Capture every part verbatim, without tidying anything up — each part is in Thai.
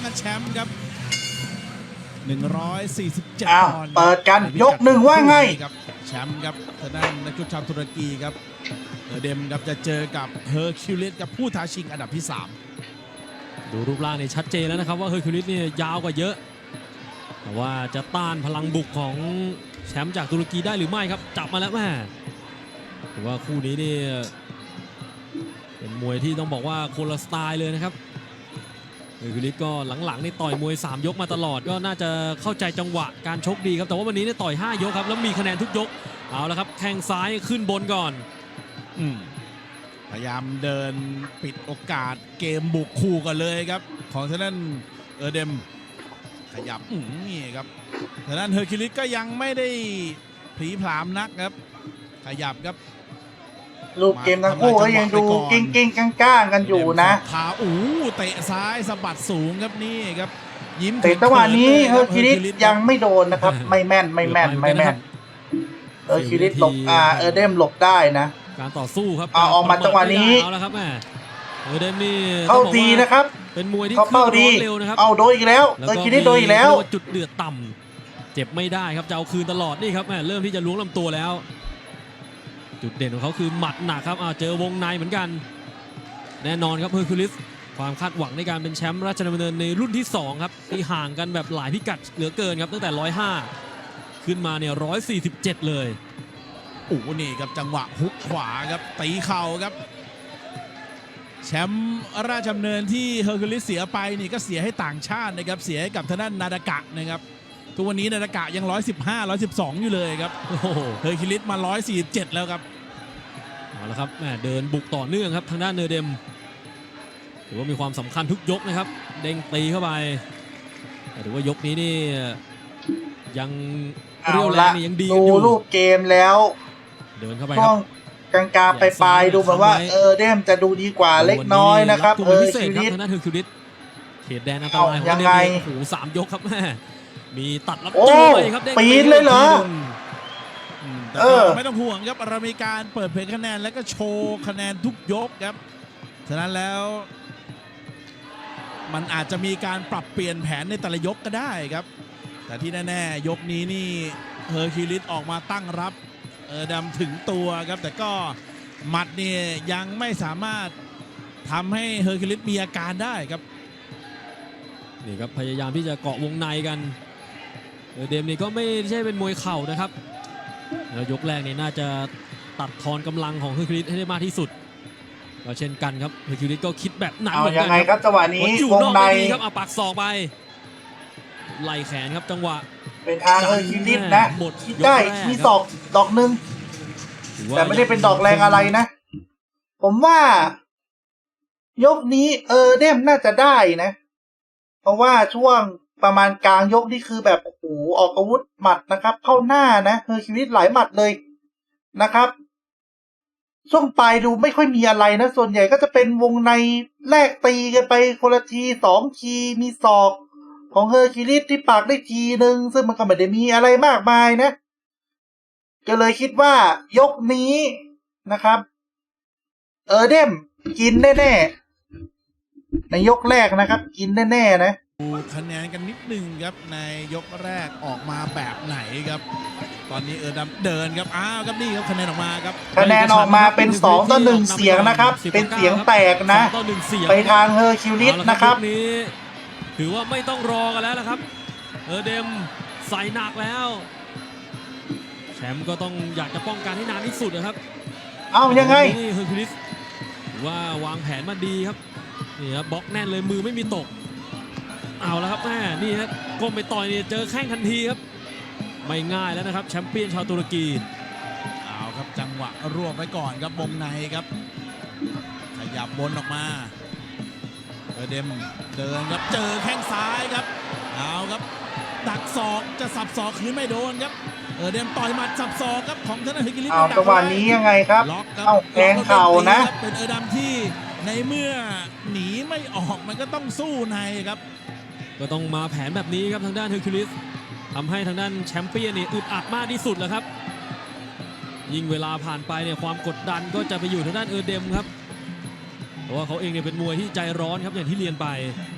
กันแชมป์ครับหนึ่งร้อยสี่สิบเจ็ดอ้าวปอนด์เปิดกันยกหนึ่งว่าไงครับแชมป์ครับทางด้านนักชกชาวตุรกีครับเออเดมครับจะเจอกับเฮอร์คิวลิสกับผู้ท้าชิงอันดับที่สามดูรูปร่างนี่ชัดเจนแล้วนะครับว่าเฮอร์คิวลิสเนี่ยยาวกว่าเยอะแต่ว่าจะต้านพลังบุกของแชมป์จากตุรกีได้หรือไม่ครับจับมาแล้วแม่ถือว่าคู่นี้นี่เป็นมวยที่ต้องบอกว่าคนละสไตล์เลยนะครับเฮอร์คิวลิสก็หลังๆนี่ต่อยมวยสามยกมาตลอดก็น่าจะเข้าใจจังหวะการชกดีครับแต่ว่าวันนี้เนี่ยต่อยห้ายกครับแล้วมีคะแนนทุกยกเอาละครับแข้งซ้ายขึ้นบนก่อนอืมพยายามเดินปิดโอกาสเกมบุกคู่กันเลยครับของทางด้านเออเดมขยับอืมนี่ครับทางด้านเฮอร์คิวลิสก็ยังไม่ได้ผลีผลามนักครับขยับครับรูปเกมทั้งคู่ก็ยังดูกิ้งกิ้งก้างก้างกันอยู่นะขาอู้เตะซ้ายสะบัดสูงครับนี่ครับยิ้มแต่จังหวะนี้เฮอร์คิวลิสยังไม่โดนนะครับไม่แม่นไม่แม่นไม่แม่นเฮอร์คิวลิสหลบอ่าเออเดมหลบได้นะการต่อสู้ครับเอาออกมาจังหวะนี้เอาละครับแม่เออเดมนี่เข้าดีนะครับเป็นมวยที่เข้าดีเร็วนะครับเอาโดนอีกแล้วเออคิวลิสโดนอีกแล้วจุดเดือดต่ำเจ็บไม่ได้ครับจะเอาคืนตลอดนี่ครับแม่เริ่มที่จะล้วงลำตัวแล้วจุดเด่นของเขาคือหมัดหนักครับเจอวงในเหมือนกันแน่นอนครับเฮอร์คิวลิสความคาดหวังในการเป็นแชมป์ราชดำเนินในรุ่นที่สองครับที่ห่างกันแบบหลายพิกัดเหลือเกินครับตั้งแต่หนึ่งร้อยห้าขึ้นมาเนี่ยหนึ่งร้อยสี่สิบเจ็ดเลยโอ้นี่ครับจังหวะฮุกขวาครับตีเข่าครับแชมป์ราชดำเนินที่เฮอร์คิวลิสเสียไปนี่ก็เสียให้ต่างชาตินะครับเสียให้กับทางด้านนาดากะนะครับทุกวันนี้นาดากะยังหนึ่งร้อยสิบห้า หนึ่งร้อยสิบสองอยู่เลยครับโอ้โหเฮอร์คิวลิสมาหนึ่งร้อยสี่สิบเจ็ดแล้วครับเอาละครับแม่เดินบุกต่อเนื่องครับทางด้านเนอร์เดมถือว่ามีความสำคัญทุกยกนะครับเด้งตีเข้าไปแต่ถือว่ายกนี้นี่ยังเรียวแรงนี่ยังดีดูรูปเกมแล้วเดินเข้าไปครับกลางกาไปปลายดูเหมือนว่าเออเดมจะดูดีกว่าเล็กน้อยนะครับเออคิวลิสทางด้านเฮอร์คิวลิสเขตแดนอันตรายของเดมโอ้โหสามยกครับแม่มีตัดรับโจ้ไปครับปีนเลยเหรอเออไม่ต้องห่วงครับเรามีการเปิดเผยคะแนนแล้วก็โชว์คะแนนทุกยกครับฉะนั้นแล้วมันอาจจะมีการปรับเปลี่ยนแผนในแต่ละยกก็ได้ครับแต่ที่แน่ๆยกนี้นี่เฮอร์คิวลิสออกมาตั้งรับเออดำถึงตัวครับแต่ก็หมัดเนี่ยยังไม่สามารถทำให้เฮอร์คิวลิสมีอาการได้ครับนี่ครับพยายามที่จะเกาะวงในกันเออเดมนี่ก็ไม่ใช่เป็นมวยเข่านะครับแล้วยกแรกนี่น่าจะตัดทอนกำลังของเฮอร์คิวลิสให้ได้มากที่สุดก็เช่นกันครับเฮอร์คิวลิสก็คิดแบบนั้นเหมือนกันยังไงครับจังหวะนี้วงในครับเอาปักศอกไปไล่แขนครับจังหวะเป็นทางเฮอร์คิวลิสนะคิดได้มีศอกดอกหนึ่งแต่ไม่ได้เป็นดอกแรงอะไรนะผมว่ายกนี้เออเดมน่าจะได้นะเพราะว่าช่วงประมาณกลางยกนี่คือแบบโอ้โหออกอาวุธหมัดนะครับเข้าหน้านะเฮอร์คิวลิสหลายหมัดเลยนะครับช่วงปลายดูไม่ค่อยมีอะไรนะส่วนใหญ่ก็จะเป็นวงในแลกตีกันไปคนละทีสองทีมีศอกของเฮอร์คิวลิสที่ปากได้ทีหนึ่งซึ่งมันก็ไม่ได้มีอะไรมากมายนะก็เลยคิดว่ายกนี้นะครับเออเดมกินแน่ๆในยกแรกนะครับกินแน่ๆนะดูคะแนนกันนิดนึงครับในยกแรกออกมาแบบไหนครับตอนนี้เออดำเดินครับอ้าวครับนี่ครับคะแนนออกมาครับคะแนนออกมาเป็นสองต่อหนึ่งเสียงนะครับเป็นเสียงแตกนะไปทางเฮอร์คิวลิสนะครับนี้ถือว่าไม่ต้องรอกันแล้วนะครับเออเดมใส่หนักแล้วแชมป์ก็ต้องอยากจะป้องกันให้นานที่สุดนะครับเอายังไงนี่เฮอร์คิวลิสว่าวางแผนมาดีครับนี่ครับบล็อกแน่นเลยมือไม่มีตกเอาแล้วครับแม่นี่ฮะก้มไปต่อยนี่เจอแข้งทันทีครับไม่ง่ายแล้วนะครับแชมเปี้ยนชาวตุรกีเอาครับจังหวะรวบไว้ก่อนครับวงในครับขยับบนออกมาเออเดมเดินครับเจอแข้งซ้ายครับเอาครับดักศอกจะสับศอกคืนไม่โดนครับเออเดมต่อยหมัดสับศอกครับของธนาฮิกิลิสเอาจังหวะนี้ยังไงครับเอาแทงเข่านะเป็นเออดำที่ในเมื่อหนีไม่ออกมันก็ต้องสู้ในครับก็ต้องมาแผนแบบนี้ครับทางด้านเฮอร์คิวลิสทำให้ทางด้านแชมเปี้ยนนี่อึดอัดมากที่สุดแล้วครับยิ่งเวลาผ่านไปเนี่ยความกดดันก็จะไปอยู่ทางด้านเออเดมครับเพราะว่าเขาเองเนี่ยเป็นมวยที่ใจร้อนครับอย่างที่เรียนไป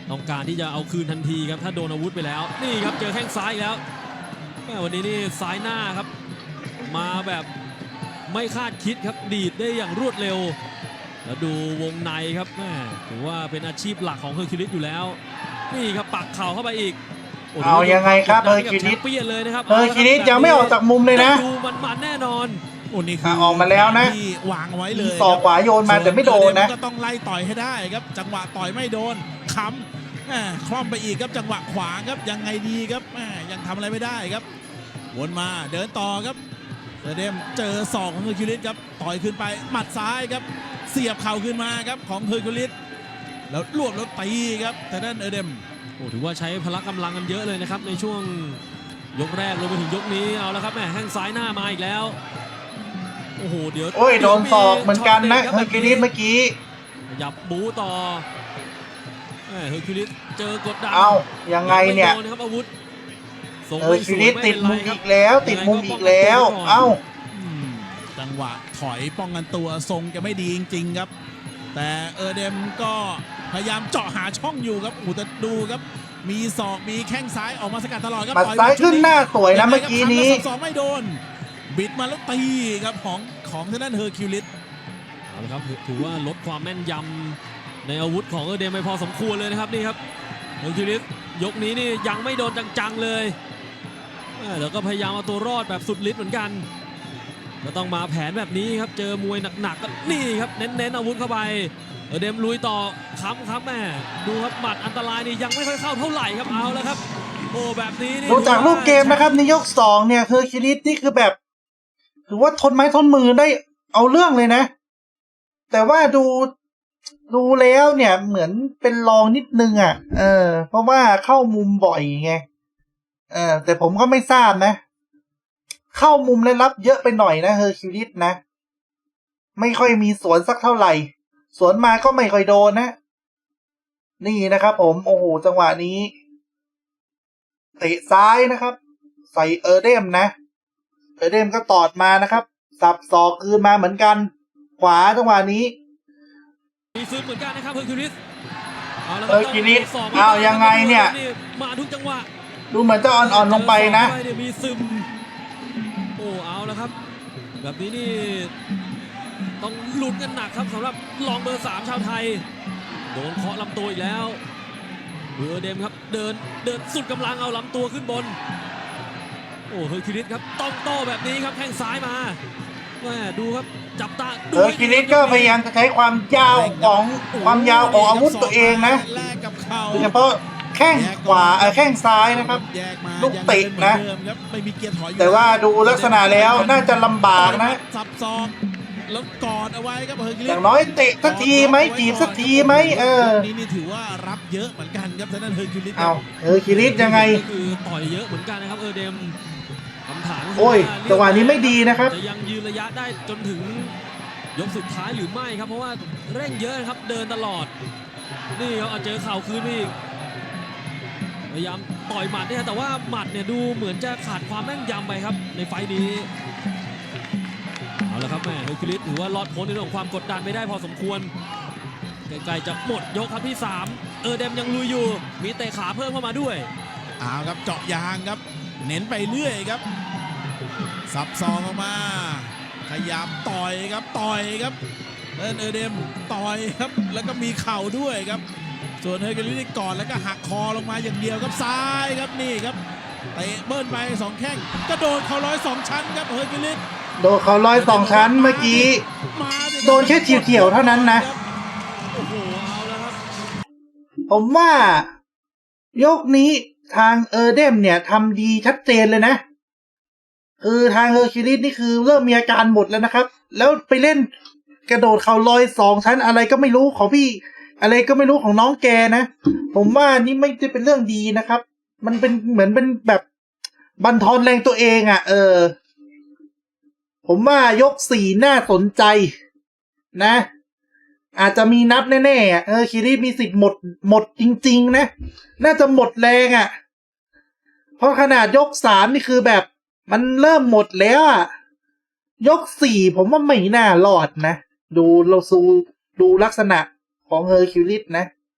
ต้องการที่จะเอาคืนทันทีครับถ้าโดนอาวุธไปแล้วนี่ครับเจอแข้งซ้ายอีกแล้วแม่วันนี้นี่ซ้ายหน้าครับมาแบบไม่คาดคิดครับดีดได้อย่างรวดเร็วแล้วดูวงในครับแม่ถือว่าเป็นอาชีพหลักของเฮอร์คิวลิสอยู่แล้วนี่ครับปักเข่าเข้าไปอีกโโหเอายังไงครับกดดันให้เฮอร์คิวลิสแชมเปี้ยนเลยนะครับเฮอร์คิวลิสยังไม่ออกจากมุมเลยนะดูมันๆแน่นอนโอ้นี่คืออ่ะออกมาแล้วนะที่วางเอาไว้เลมียศอกขวาโยนมาแต่ไม่โดนนะก็ต้องไล่ต่อยให้ได้ครับ จังหวะต่อยไม่โดนค้ำแหม่คล่อมไปอีกครับจังหวะขวาครับยังไงดีครับแหม่ยังทำอะไรไม่ได้ครับวนมาเดินต่อครับเซเดมเจอศอกของเฮอร์คิวลิสครับต่อยขึ้นไปหมัดซ้ายครับเสียบเข่าขึ้นมาครับของเฮอร์คิวลิสแล้วรวบแล้วตีครับแต่ด้านเอเดมโอ้ถือว่าใช้พละกำลังกันเยอะเลยนะครับในช่วงยกแรกรวมไปถึงยกนี้เอาแล้วครับแม่แข้งซ้ายหน้ามาอีกแล้วโอ้โหเดี๋ยวโอ้ยโดนศอกเหมือนกันนะช็เฮตอด็ร์คิวลิสเมื่อกี้ขยับบูต่อแม่เฮอร์คิวลิสเจอกดดันเอายังไงเนี่ยม่โดนะครับอาวุธส่งเฮอไม่ร์สคิววลิยสไม่ติเป็ดนไรมุมครัอีบกแล้ว ติดมุมอีกแล้ว เอ้าอืมจังหวะถอยป้องกันตัวทรงจะไม่ดีจริงๆครับ แต่เออเดมก็พยายามเจาะหาช่องอยู่ครับอูแต่ดูครับ มีศอกมีแข้งซ้ายออกมาสกัดตลอดครับหมัดต่อซ้ายขึ้นหน้าสวยนะยังไงเมื่อกี้นี้ครับทำแล้วสองไม่โดน บิดมาแล้วตีครับของของทางด้านเฮอร์คิวลิสเอาละครับถือว่าลดความแม่นยำในอาวุธของเออเดมไปพอสมควรเลยนะครับนี่ครับเฮอร์คิวลิสยกนี้นี่ยังไม่โดนจังๆเลยแม่แล้วก็พยายามเอาตัวรอดแบบสุดฤทธิ์เหมือนกันก็ต้องมาแผนแบบนี้ครับเจอมวยหนักๆก็นี่ครับเน้นๆอาวุธเข้าไปเออเดมลุยต่อค้ำครับแม่ดูครับหมัดอันตรายนี่ยังไม่ค่อยเข้าเท่าไหร่ครับเอาแล้วครับโอ้แบบนี้นี่ดูจากรูปเกมนะครับในยกสองเนี่ยเฮอร์คิวลิสนี่คือแบบ ถือว่าทนไม้ทนมือได้เอาเรื่องเลยนะ แต่ว่าดูดูแล้วเนี่ยเหมือนเป็นรองนิดนึงอ่ะ เออ เพราะว่าเข้ามุมบ่อยไงเออแต่ผมก็ไม่ทราบนะ เข้ามุมและรับเยอะไปหน่อยนะเฮอร์คิวลิสนะ ไม่ค่อยมีสวนสักเท่าไหร่ สวนมาก็ไม่ค่อยโดนนะ นี่นะครับผมโอ้โหจังหวะนี้เตะซ้ายนะครับ ใส่เออเดมนะเออเดมก็ตอดมานะครับ สับศอกคืนมาเหมือนกัน ขวาจังหวะนี้มีซึมเหมือนกันนะครับเฮอร์คิวลิสาละรับเฮอร์คิวลิสสบเอายังไงเนี่ยมาทุกจังหวะดูเหมือนจะอ่อนๆลงไปนะเจอศอกเข้าไปเยมีซึมโอ้เอาแล้วครับ แบบนี้นี่ต้องลุ้นกันหนักครับสำหรับรองเบอร์สามชาวไทยโดนเคาะลำตัวอีกแล้วเบอร์เดมครับเดินเดินสุดกำลังเอาลำตัวขึ้นบนโอ้เฮอร์คิวลิสครับต้องโต้แบบนี้ครับแข้งซ้ายมาแม่ดูครับจับตาดูเฮอร์คิวลิสก็พยายามจะใช้ความยาวของความยาวของอาวุธตัวเองนะแลกกับเข่าโดยเฉพาะแข้งขวาเออแข้งซ้ายนะครับแยกมาลูกเตะนะยังเดิเหมือเดิมครับไม่มีเกียร์ถอยอยู่แต่ว่าดูลักษณะแล้วน่าจะลำบากนะสับซอกแล้วกอดเอาไว้ครับเฮอร์คิวลิอสย่างน้อยเตะสักทีไหมจีบสักทีไหมเออนี่นี่ถือว่ารับเยอะเหมือนกันครับทางด้านเฮอร์คิวลิสเอาเฮอร์คิวลิสยังไงก็คือต่อยเยอะเหมือนกันนะครับเออเดมคำถามก็คืโอ้ยาจังหวะนี้ไม่ดีนะครับจะยังยืนระยะได้จนถึงยกสุดท้ายหรือไม่ครับเพราะว่าเร่งเยอะนะครับเดินตลอดนี่ครับเอาเจอเข่าคืนนี่พยายามต่อยหมัดเนี่ยแต่ว่าหมัดเนี่ยดูเหมือนจะขาดความแม่นยำไปครับในไฟล์นี้เอาละครับแม่เฮอร์คิวลิสถือว่ารอดพ้นในเรื่องของความกดดันไม่ได้พอสมควรใกล้ๆจะหมดยกครับที่สามเออเดมยังลุยอยู่มีเตะขาเพิ่มเข้ามาด้วยเอาครับเจาะยางครับ เน้นไปเรื่อยครับ สับซองออกมา ขยับต่อยครับต่อยครับเอินเออเดมต่อยครับแล้วก็มีเข่าด้วยครับ ส่วนเฮอร์คิวลิสก่อนแล้วก็หักคอลงมาอย่างเดียวครับซ้ายครับนี่ครับเตะเบิ้ลไปสองแข้งกระโดดเข่าร้อยสองชั้นครับเฮอร์คิวลิสโดนเขาร้อยสองชั้นเมื่อกี้มาสิโดนแค่เฉียวๆเท่านั้นนะโอ้โหเอาแล้วครับผมว่ายกนี้ทางเออร์เดมเนี่ยทำดีชัดเจนเลยนะคือทางเฮอร์คิวลิสนี่คือเริ่มมีอาการหมดแล้วนะครับ แล้วไปเล่นกระโดดเขาลอยสองชั้นอะไรก็ไม่รู้ของพี่ อะไรก็ไม่รู้ของน้องแกนะ ผมว่านี่ไม่ได้เป็นเรื่องดีนะครับ มันเป็นเหมือนเป็นแบบบั่นทอนแรงตัวเองอะ่ะ เออ ผมว่ายกสี่น่าสนใจนะ อาจจะมีนับแน่ๆอ่ะเออคิริมีสิทธิ์หมดหมดจริงๆนะน่าจะหมดแรงอ่ะเพราะขนาดยกสามนี่คือแบบมันเริ่มหมดแล้วอ่ะยกสี่ผมว่าไม่น่ารอดนะดูเราซูดูลักษณะของเฮอร์คิวลิสนะ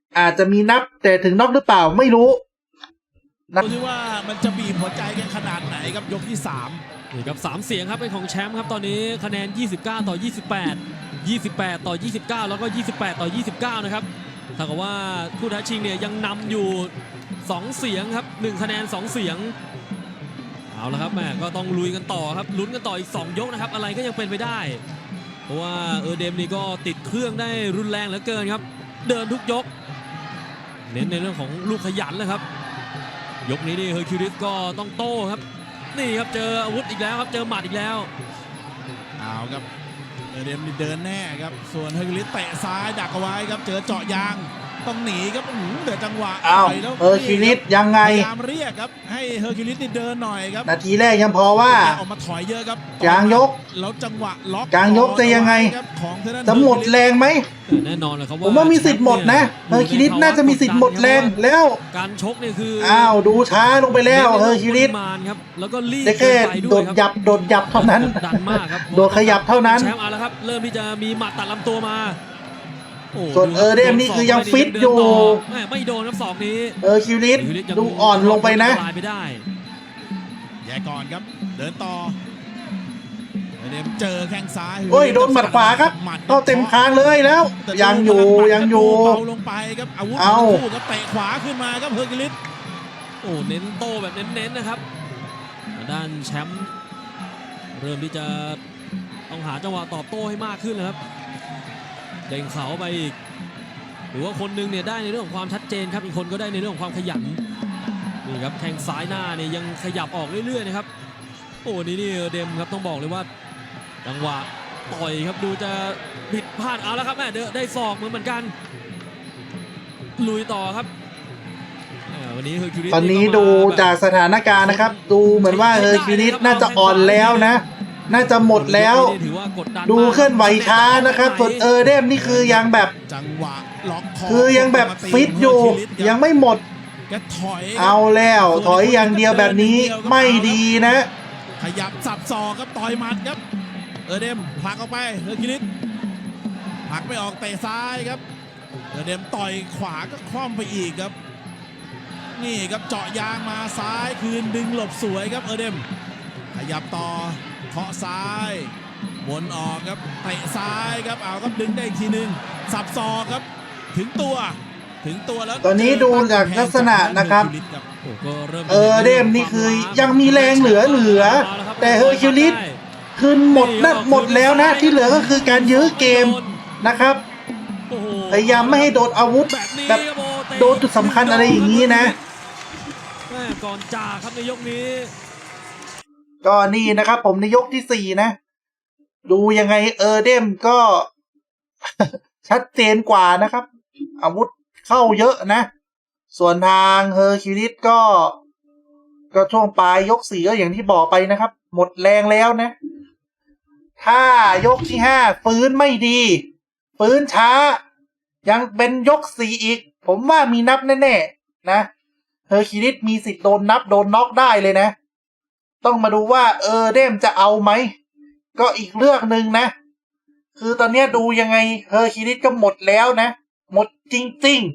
อาจจะมีนับแต่ถึงน็อกหรือเปล่าไม่รู้ดูที่ว่ามันจะบีบหัวใจกันขนาดไหนครับยกที่สามนี่ครับสามเสียงครับเป็นของแชมป์ครับตอนนี้คะแนนยี่สิบเก้าต่อยี่สิบแปด ยี่สิบแปดต่อยี่สิบเก้าแล้วก็ยี่สิบแปดต่อยี่สิบเก้านะครับถ้ากับว่าผู้ท้าชิงเนี่ยยังนำอยู่สองเสียงครับหนึ่งคะแนนสองเสียงเอาละครับแม่ก็ต้องลุยกันต่อครับลุ้นกันต่ออีกสองยกนะครับอะไรก็ยังเป็นไปได้เพราะว่าเออเดมนี่ก็ติดเครื่องได้รุนแรงเหลือเกินครับเดินทุกยกเน้นในเรื่องของลูกขยันเลยครับยกนี้นี่เฮอร์คิวลิสก็ต้องโต้ครับนี่ครับเจออาวุธอีกแล้วครับเจอหมัดอีกแล้วเอาครับเอเดมนี่เดินแน่ครับส่วนเฮอร์คิวลิสเตะซ้ายดักเอาไว้ครับเจอเจาะยางต้องหนีครับอื้อหือเดือจังหวะอ้าวต่ยแล้วเฮอร์คิวลิสยังไงพยายามเรียกครับให้เฮอร์คิวลิสนี่เดินหน่อยครับนาทีแรกยังพอว่าแกออกมาถอยเยอะครับกลางยกแล้วจังหวะล็อกกลางยกจะยังไงครับของทางด้านจะหมดแรงไหมแน่นอนเลยครับผมว่ามีสิทธิ์หมดนะเฮอร์คิวลิสน่าจะมีสิทธิ์หมดแรงแล้วการชกเนี่ยคืออ้าวดูช้าลงไปแล้วเฮอร์คิวลิสมานครับแล้วก็รีบได้แค่เกินไปโดวยดครับหยับโดดหยับเท่านั้นดันมากครับโดดขยับเท่านั้นแชมป์เอาละครับเริ่มที่จะมีหมัดตัดลำตัวมาโอ้ส่วนเออเดมนี่คือยังฟิตอยู่แม่ไม่โดนครับศอกนี้เฮอร์คิวลิสเฮอร์คิวลิสยังดูอ่อนลงไปนะลายไปได้แย่ก่อนครับเดินต่อเอเดมเจอแข้งซ้ายโอ้ยโดนหมัดขวาครับหมัดเข้าเต็มคางเลยแล้วแต่ยังอยู่ดูพลัหมัดยังอยู่เบาลงไปครับอาวุธเอาทั้งคู่ครับเตะขวาขึ้นมาครับเฮอร์คิวลิสโอ้เน้นโตแบบเน้นๆนะครับทางด้านแชมป์เริ่มที่จะต้องหาจังหวะตอบโต้ให้มากขึ้นนะครับเด้งเขาไปอีกหรือว่าคนหนึงเนี่ยได้ในเรื่องของความชัดเจนครับอีกคนก็ได้ในเรื่องของความขยันนี่ครับแข้งซ้ายหน้าเนี่ยยังขยับออกเรื่อยๆนะครับโอ้นี่นี่เดมครับต้องบอกเลยว่าจังหวะต่อยครับดูจะผิดพลาดเอาแล้วครับแม่เดได้ศอกเหมือนเหมือนกันลุยต่อครับอ่าวันนี้เฮอร์คิวลิสตอนนี้ก็มาดูแบบจากสถานการณ์นะครับ ดูเหมือนว่าเฮอร์คิวลิสน่าจะอ่อนแล้วนะ น่าจะหมดแล้วถือว่ากดดันดูมากเคลื่อนไหวช้านะครับส่วนเออเดมนี่คือยังแบบจังหวะล็อกคอคือยังแบบฟิตอยู่ ยังไม่หมดแกถอยเอาแล้วถอยอย่างเดียวแบบนี้ไม่ดีนะขยับสับศอกครับต่อยหมัดครับเออเดมผลักออกไปเฮอร์คิวลิสผลักไม่ออกเตะซ้ายครับเออเดมต่อยขวาก็คล่อมไปอีกครับนี่ครับเจาะยางมาซ้ายคืนดึงหลบสวยครับเออเดมขยับต่อเคาะซ้ายวนออกครับเตะซ้ายครับเอาครับดึงได้อีกทีหนึ่งสับศอกครับถึงตัวถึงตัวแล้วตอนนี้ดูจากลักษณะนะครับเฮอคิวลิสครับโอ้ก็ริ่มเออเดมนี่คือยังมีแรงเหลือเหลือแต่เฮอร์คิวลิส คืนหมดนะหมดแล้วนะที่เหลือก็คือการยื้อเกมนะครับโอ้โหพยายามไม่ให้โดนอาวุธแบบนี้แบบครับโอ้เตะโดนจุดสำคัญอะไรอย่างนี้นะแม่ก่อนจ่าครับในยกนี้ก็นี่นะครับผมในยกที่สี่นะ ดูยังไงเออเดมก็ ชัดเจนกว่านะครับ อาวุธเข้าเยอะนะ ส่วนทางเฮอร์คิวลิสก็ ก็ช่วงปลายยกสี่ก็อย่างที่บอกไปนะครับ หมดแรงแล้วนะ ถ้ายกที่ห้าฟื้นไม่ดี ฟื้นช้า ยังเป็นยกสี่อีก ผมว่ามีนับแน่ๆนะเฮอร์คิวลิสมีสิทธิ์โดนนับโดนน็อกได้เลยนะ ต้องมาดูว่าเออเดมจะเอาไหม ก็อีกเรื่องหนึ่งนะ คือตอนนี้ดูยังไงเฮอร์คิวลิสก็หมดแล้วนะ หมดจริง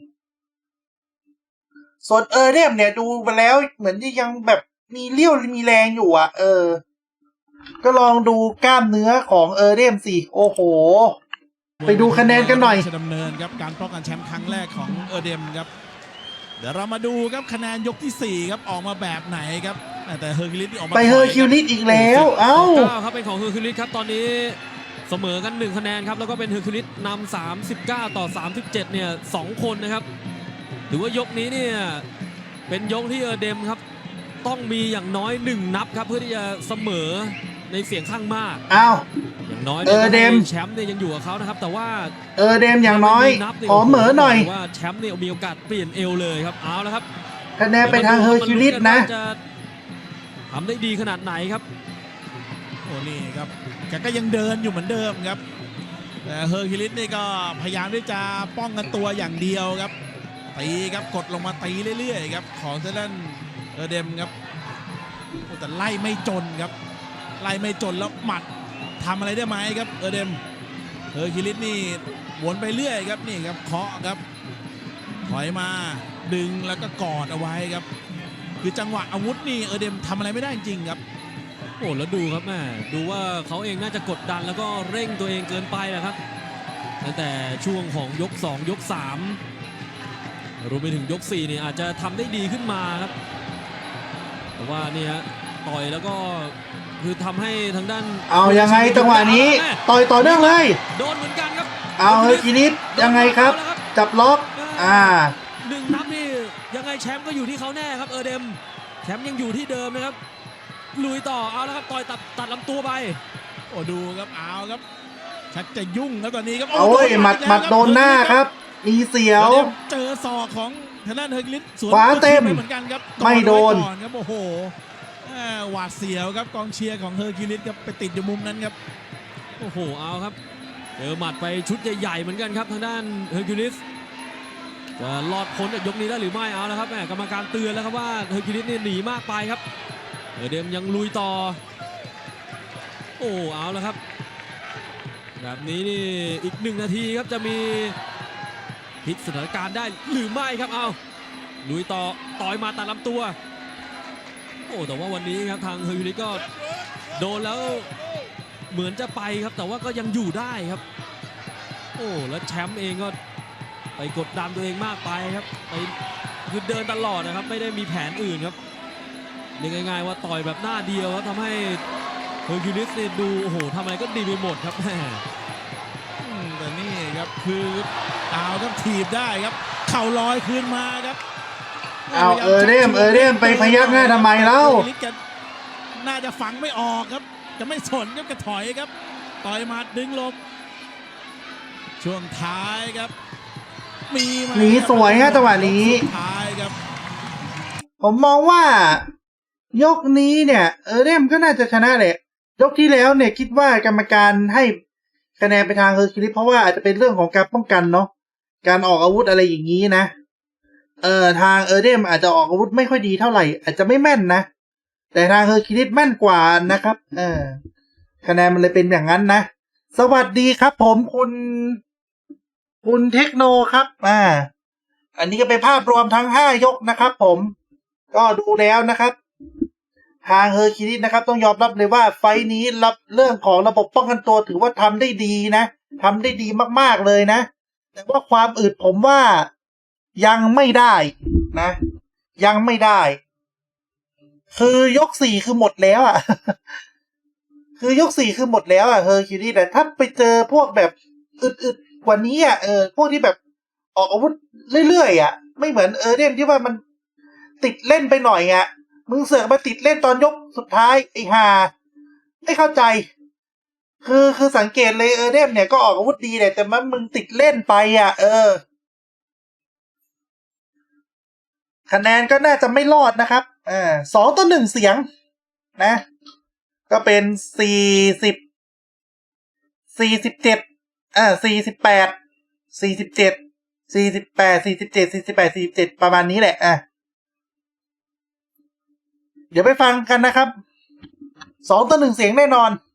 ๆ ส่วนเออเดมเนี่ยดูไปแล้วเหมือนที่ยังแบบมีเลี้ยวมีแรงอยู่อ่ะ เออ ก็ลองดูกล้ามเนื้อของเออเดมสิโอ้โห ไปดูคะแนนกันหน่อยราชดำเนินครับการป้องกันแชมป์ครั้งแรกของเออเดมครับเดี๋ยวเรามาดูครับคะแนนยกที่สี่ครับออกมาแบบไหนครับแต่เฮอร์คิวลิสนี่ออกมาไปเฮอร์คิวลิสอีกแล้ว เอ้าเก้าครับเป็นของเฮอร์คิวลิสครับตอนนี้เสมอกันหนึ่งคะแนนครับแล้วก็เป็นเฮอร์คิวลิสนำสามสิบเก้าต่อสามสิบเจ็ดเนี่ยสองคนนะครับถือว่ายกนี้เนี่ยเป็นยกที่เออเดมครับต้องมีอย่างน้อยหนึ่งนับครับเพื่อที่จะเสมอในเสียงข้างมากเอ้าอย่างน้อยเออเดมแชมป์เนี่ยยังอยู่กับเขานะครับแต่ว่าเออเดมอย่างน้อยนับเนี่ยขอเหมอหน่อยว่าแชมป์เนี่ยมีโอกาสเปลี่ยนเอวเลยครับเอาแล้วครับคะแนนไปทางเฮอร์คิวลิสนะจะทำได้ดีขนาดไหนครับโอ้นี่ครับแกก็ยังเดินอยู่เหมือนเดิมครับแต่เฮอร์คิวลิสนี่ก็พยายามที่จะป้องกันตัวอย่างเดียวครับตีครับกดลงมาตีเรื่อยๆครับของเซเลนเออเดมครับโอ้แต่ไล่ไม่จนครับไล่ไม่จนแล้วหมัดทำอะไรได้ไหมครับเออเดมเฮอร์คิวลิสนี่วนไปเรื่อยครับนี่ครับเคาะครับถอยมาดึงแล้วก็กอดเอาไว้ครับ คือจังหวะอาวุธนี่เออเดมทำอะไรไม่ได้จริงครับโอ้แล้วดูครับแม่ดูว่าเขาเองน่าจะกดดันแล้วก็เร่งตัวเองเกินไปแหละครับตั้งแต่ช่วงของยกสองยกสามรวมไปถึงยกสี่นี่อาจจะทำได้ดีขึ้นมาครับแต่ว่านี่ฮะต่อยแล้วก็คือทำให้ทางด้านเอายังไงจังหวะนี้ต่อยต่อเนื่องเลยโดนเหมือนกันครับเอาเฮอร์คิวลิสยังไงครับ จับล็อกอ่าหนึ่งนับนี่ยังไงแชมป์ก็อยู่ที่เขาแน่ครับเออเดมแชมป์ยังอยู่ที่เดิมนะครับลุยต่อเอาแล้วครับต่อยตัดตัดลำตัวไปโอ้ดูครับเอาครับชักจะยุ่งแล้วตอนนี้ครับโอ้ยหมัดหมัดโดนหน้าครับ มีเสียวเจอศอกของทางด้านเฮอร์คิวลิสสวนขวาเต็มไปเหมือนกันครับไม่โดนก่อนครับโอ้โหอ่าหวาดเสียวครับกองเชียร์ของเฮอร์คิวลิสครับไปติดอยู่มุมนั้นครับโอ้โหเอาครับเจอหมัดไปชุดใหญ่ๆเหมือนกันครับทางด้านเฮอร์คิวลิสจะรอดพ้นจากยกนี้ได้หรือไม่เอาแล้วครับแม่กรรมการเตือนแล้วครับว่าเฮอร์คิวลิสนี่หนีมากไปครับเออเดมยังลุยต่อโอ้เอาแล้วครับแบบนี้นี่อีกหนึ่งนาทีครับจะมีพลิกสถานการณ์ได้หรือไม่ครับเอาลุยต่อต่อยมาตัดลำตัวโอ้แต่ว่าวันนี้ครับทางเฮอร์คิวลิสก็โดนแล้วเหมือนจะไปครับแต่ว่าก็ยังอยู่ได้ครับโอ้แล้วแชมป์เองก็ไปกดดันตัวเองมากไปครับไปคือเดินตลอดนะครับไม่ได้มีแผนอื่นครับเรียกง่ายๆว่าต่อยแบบหน้าเดียวครับทำให้เฮอร์คิวลิสเนี่ยดูโอ้โหทำอะไรก็ดีไปหมดครับแม่อืมแต่นี่ครับคือเอาครับถีบได้ครับเข่าลอยคืนมาครับเอาเออเดมเออเดมไปพยักหน้าทำไมเล่าเฮอร์คิวลิสแกน่าจะฝังไม่ออกครับจะไม่สนครับกระถอยครับต่อยหมัดดึงลมช่วงท้ายครับมีมาหนีสวยฮะจังหวะนี้สุดท้ายครับผมมองว่า ยกนี้เนี่ย เออเดมก็น่าจะชนะแหละยกที่แล้วเนี่ยคิดว่ากรรมการให้คะแนนไปทางเฮอร์คิวลิสเพราะว่าอาจจะเป็นเรื่องของการป้องกันเนาะการออกอาวุธอะไรอย่างนี้นะเออทางเออเดมอาจจะออกอาวุธไม่ค่อยดีเท่าไหร่อาจจะไม่แม่นนะแต่ทางเฮอร์คิวลิสแม่นกว่านะครับเออคะแนนมันเลยเป็นอย่างนั้นนะสวัสดีครับผมคุณคุณเทคโนครับอ่าอันนี้ก็เป็นภาพรวมทั้งห้ายกนะครับผมก็ดูแล้วนะครับทางเฮอร์คิวลิสนะครับต้องยอมรับเลยว่าไฟท์นี้รับเรื่องของระบบป้องกันตัวถือว่าทำได้ดีนะทำได้ดีมากๆเลยนะแต่ว่าความอึดผมว่ายังไม่ได้นะยังไม่ได้คือยกสี่คือหมดแล้วอ่ะ คือยกสี่คือหมดแล้วอ่ะเฮอร์คิวลิสแต่ถ้าไปเจอพวกแบบอึดๆกว่านี้อ่ะเออพวกที่แบบออกอาวุธเรื่อยๆอ่ะไม่เหมือนเออเดมที่ว่ามันติดเล่นไปหน่อยอ่ะมึงเสือกมาติดเล่นตอนยกสุดท้ายไอ้ห่าไม่เข้าใจคือคือสังเกตเลยเออเดมเนี่ยก็ออกอาวุธดีแหละแต่มันมึงติดเล่นไปอ่ะเออคะแนนก็น่าจะไม่รอดนะครับอ่าสองต่อหนึ่งเสียงนะก็เป็นสี่สิบสี่สิบเจ็ดอ่าสี่สิบแปดสี่สิบเจ็ดสี่สิบแปดสี่สิบเจ็ดสี่สิบแปดสี่สิบเจ็ดประมาณนี้แหละอ่ะเดี๋ยวไปฟังกันนะครับสองต่อหนึ่งเสียงแน่นอน